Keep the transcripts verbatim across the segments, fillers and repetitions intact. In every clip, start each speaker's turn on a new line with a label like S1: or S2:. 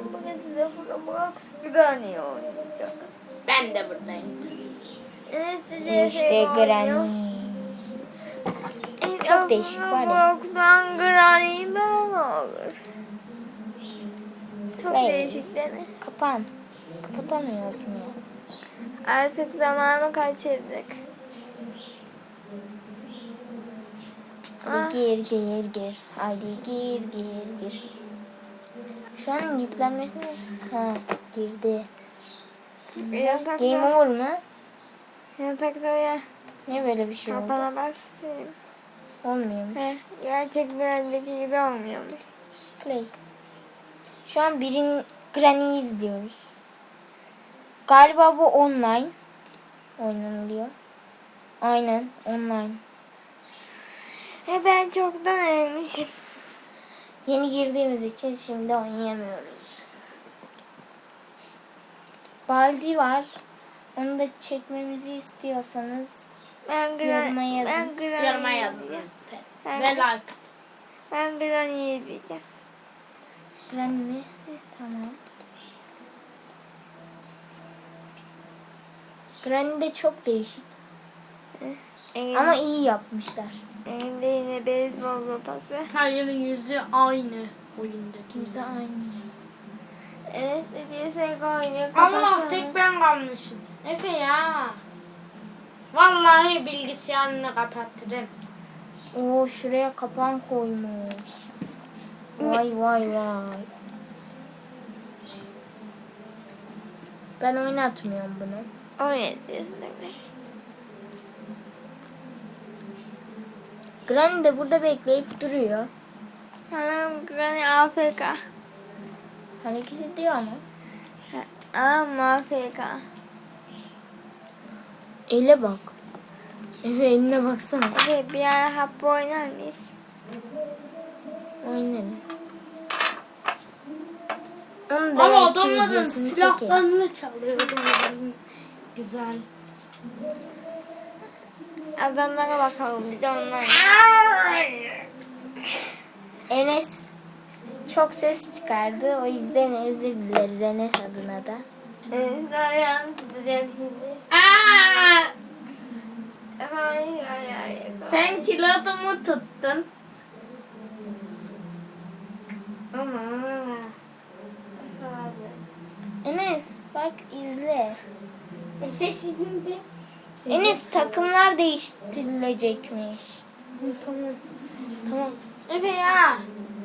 S1: Bugün size Roblox Granny oynayacağız.
S2: Ben de buradayım.
S1: Enes de
S3: İşte Granny. Çok değişik var ya.
S1: Roblox'tan Granny ben olur. Çok
S3: Hey.
S1: değişik değil mi?
S3: Kapan. Kapatamıyorsun ya.
S1: Artık zamanı kaçırdık.
S3: Hadi gir gir gir. Hadi gir gir gir. Şu an yüklenmesine... Ha girdi.
S1: Yatakta,
S3: Game over mu?
S1: yatakta ya.
S3: Ne böyle bir şey oldu?
S1: Kapana bastım.
S3: Olmuyormuş.
S1: He, gerçek dünyadaki gibi olmuyormuş.
S3: Play. Şu an birin Granny'yi izliyoruz. Galiba bu online oynanılıyor. Aynen online.
S1: He ben çoktan ölmüşüm.
S3: Yeni girdiğimiz için şimdi oynayamıyoruz. Baldi var. Onu da çekmemizi istiyorsanız
S1: Ben
S3: yoruma
S1: Granny,
S3: yazın.
S1: ben Granny
S2: Yoruma yazın.
S1: diyeceğim.
S2: Ve
S1: Ben,
S2: like atın.
S1: ben Granny'yi diyeceğim.
S3: Granny mi? Tamam. Granny de çok değişik.
S1: Elin,
S3: Ama iyi yapmışlar.
S1: elinde yine beyzbol sopası.
S2: Hayır, yüzü aynı oyundaki.
S3: Bize aynı.
S1: Enes de diyorsak oynuyor.
S2: Allah
S1: kapatsana.
S2: tek ben kalmışım. Efe ya. Vallahi bilgisayarını kapattırım.
S3: Oo şuraya kapan koymuş. Vay vay vay. Ben oynatmıyorum bunu.
S1: Oynatıyorsun evet.
S3: Granny de burada bekleyip duruyor.
S1: Anam Granny A F K.
S3: Hareket ediyor ama.
S1: Anam A F K.
S3: Ele bak. Efe eline baksana.
S1: Evet bir ara hapı oynar mıyız?
S3: Oynarız. Onun da
S2: Ama
S3: belki
S2: adamların
S3: videosunu çekeriz.
S2: silahlarını çalıyordum. Güzel.
S1: Adamlara bakalım bir de onlar.
S3: Enes çok ses çıkardı. O yüzden özür dileriz Enes adına da.
S1: Enes ayağını tutacağım şimdi.
S2: Aa!
S1: Hayır hayır hayır.
S2: Sen kilodumu tuttun.
S1: Ama.
S3: Enes bak izle.
S1: Efe şimdi.
S3: Enes takımlar değiştirilecekmiş.
S2: Tamam. Tamam. Efe ya.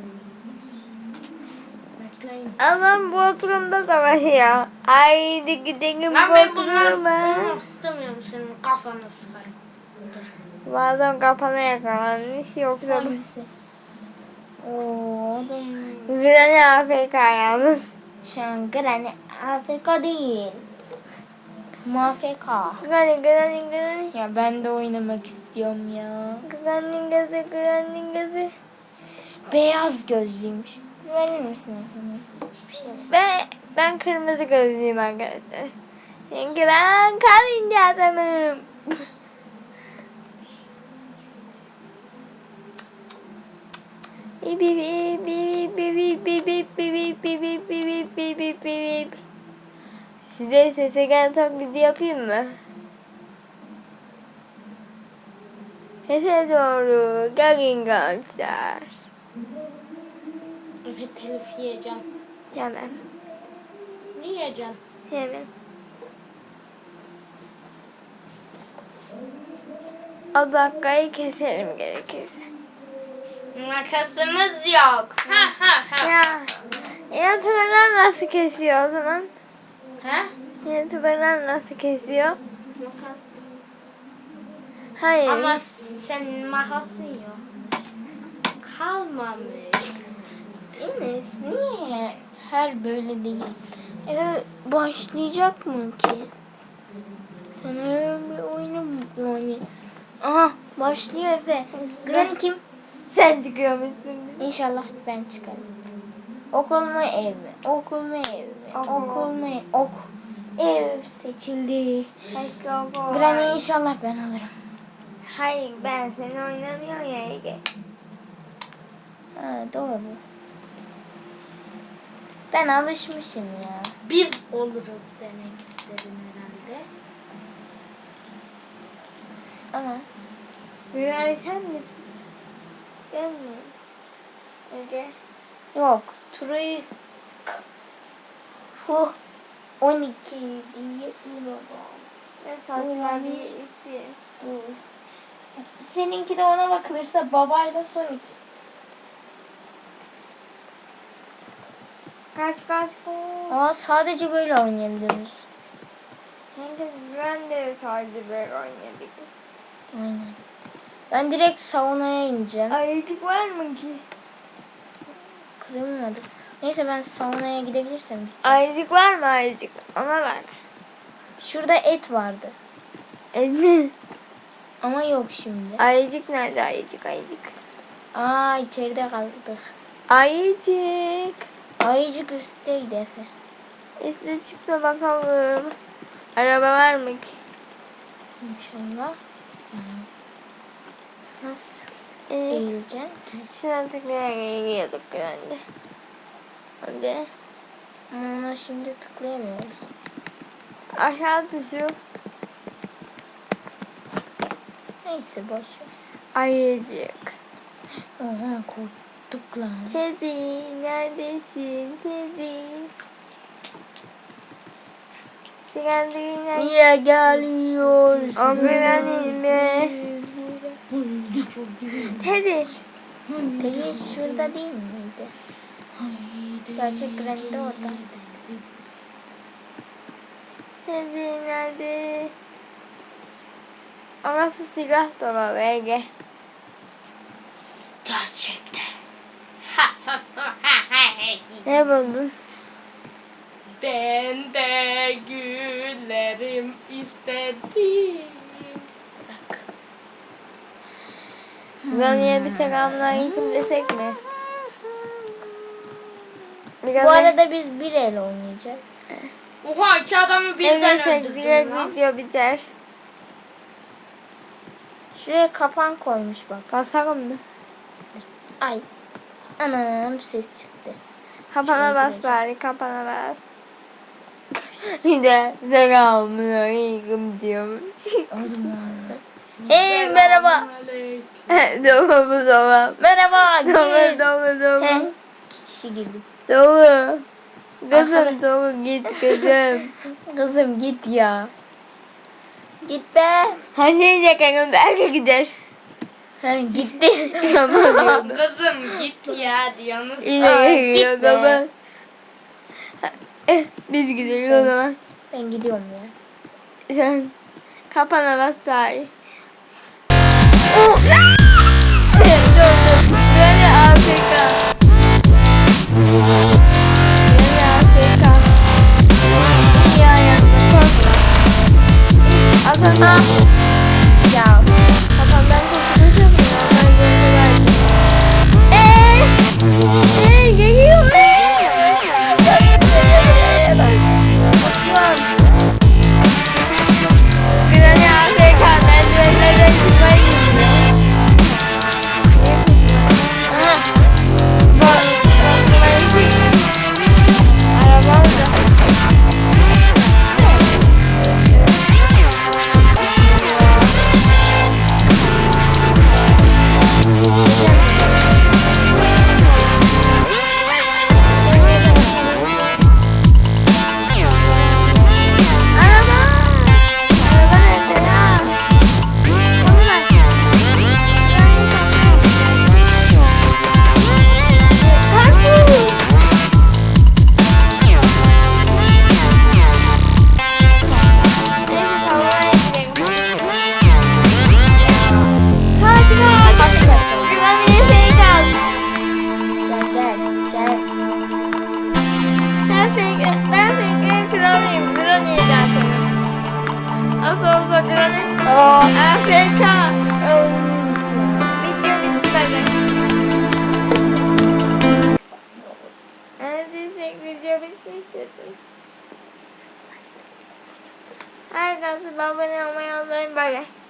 S2: Bekleyin.
S1: Adam Bodrum'da savaşıyor. Haydi gidelim
S2: Lan ben bunları
S1: Bodrum'a.
S2: bulmak istemiyorum, senin kafanı sıkarım.
S1: Bazen kafana yakalanmış yoksa bu.
S3: Hangisi? Oo adam.
S1: Granny A F K yalnız.
S3: Şu an Granny A F K değil. M F K.
S1: Granny Granny Granny.
S3: Ya ben de oynamak istiyorum ya.
S1: Granny gözü Granny gözü.
S3: Beyaz gözlüymüş. Verir misin efendim? Bir şey yok.
S1: Ben, ben kırmızı gözlüyüm arkadaşlar. Çünkü ben karınca adamım. Bip bip bip bip bip bip bip bip bip bip bip bip bip bip. Size sese gelen taklidi yapayım mı? Sese doğru gelin gençler.
S2: Efe telif yiyeceğim.
S1: Yemem.
S2: Ne yiyeceğim?
S1: Yemem. O dakikayı keserim gerekirse.
S2: Makasımız yok. Ha ha ha.
S1: Ya, YouTuber'lar nasıl kesiyor o zaman?
S2: Ha?
S1: YouTuber'lar nasıl kesiyor?
S2: Makas.
S1: Hayır.
S2: Ama senin makasın yok. Kalmamış.
S3: Enes niye her böyle değil? Efe başlayacak mı ki? Sen öyle bir oyunu mu yani? Aha başlıyor Efe. Granny kim?
S1: Sen çıkıyormuşsun.
S3: İnşallah ben çıkarım. Okul mu ev mi? Okul mu ev mi?
S1: Okul.
S3: Okul mu ev? Ok. Ev seçildi.
S1: Başka okul
S3: Granny
S1: var.
S3: inşallah ben alırım.
S1: Hayır ben seni oynamıyorum ya Ege.
S3: Ha doğru. Ben alışmışım ya.
S2: Biz oluruz demek istedim herhalde.
S3: Ama
S1: Güray sen misin? Ben mi? Ege.
S3: yok. Troy Fu on iki diye İro'da.
S1: Ne saçma bir isim.
S3: Dur. Seninki de ona bakılırsa babayla son iki.
S1: Kaç kaç kaç.
S3: Aa, sadece böyle oynayabiliyoruz.
S1: Hem de ben de sadece böyle oynayabilirim.
S3: Aynen. Ben direkt saunaya ineceğim.
S1: Ayıcık var mı ki?
S3: Kırılmadı. Neyse ben saunaya gidebilirsem.
S1: Ayıcık var mı ayıcık? Ona bak.
S3: Şurada et vardı.
S1: Ece.
S3: Ama yok şimdi.
S1: Ayıcık nerede ayıcık ayıcık?
S3: Aa, içeride kaldık.
S1: Ayıcık.
S3: Ayıcık üstteydi Efe.
S1: İşte çıksa bakalım. Araba var mı ki?
S3: İnşallah. Yani nasıl
S1: Ee,
S3: eğileceksin ki?
S1: şuna tıklayarak gidiyorduk herhalde. Hadi.
S3: Ama ona şimdi tıklayamıyoruz.
S1: Aşağı tuşu.
S3: Neyse boş ver.
S1: Ayıcık.
S3: Oha, korktuk lan.
S1: Teddy neredesin Teddy? Sigarayla
S3: Niye geliyorsun?
S1: Ömrünüme. Teddy.
S3: Peki şurada değil miydi? Gerçek Granny de orada.
S1: Teddy nerede? Orası silah dolabı Ege.
S3: Gerçekten.
S1: Ne buldun?
S2: Ben de güllerim istedim.
S3: Bırak.
S1: Granny'e bir selamünaleyküm desek mi? Biraz
S3: Bu arada biz bir el oynayacağız.
S2: Oha, iki adamı birden
S1: Evlesek
S2: öldürdüm
S1: direkt
S2: lan.
S1: video biter.
S3: Şuraya kapan koymuş bak.
S1: Basalım mı?
S3: Ay. Anam, ses çıktı.
S1: Kapana
S3: Şuraya
S1: bas
S3: gireceğim.
S1: bari, kapana bas. Bir de selamünaleyküm diyormuş.
S3: O zaman. Hey, merhaba.
S2: Selamünaleyküm.
S1: Doğu bu doğu.
S3: Merhaba.
S1: Doğu
S3: Gir.
S1: doğu doğu.
S3: He, iki kişi girdik.
S1: Doğu. Kızım
S3: Arkadaş-
S1: doğu git kızım.
S3: Kızım git ya. Git be.
S1: Her şey yakarım belki gider.
S3: He, gitti.
S1: Ama
S2: Kızım git ya diyorsunuz.
S1: yine
S3: Ay,
S1: geliyor
S3: gitme.
S1: zaman. Eh, biz gidelim o
S3: Evet.
S1: zaman.
S3: Ben gidiyorum ya.
S1: Sen kapana bas bari. Oh! Dur dur. Böyle Afrika. Böyle Afrika. İyi ayakta korkma. Adana. Ya. Kafamdan kurtulacağım ya. Ben böyle verdim. Eee. Eee geliyor. Eee. Bak. Uçuyorum. Granny Afrika merdivenlerden çıkmaya gidiyor.
S3: Aha.
S1: Bak. Bak. Araba orada. Araba. Araba nerede ya? Onu ver. Parkur. Neyse tavaya gidelim. Kaç kaç. Güvenliğe fake at.
S3: Gel gel gel.
S1: Ben fake ben fake kralıyım. Kralıyım zaten. Nasıl olsa kralıyım.
S3: Oh.
S1: Afrika.
S3: Oh.
S1: Video bitmedi. Neredeyse video bitmiştir. Herkese abone olmayı unutmayın. Bay bay.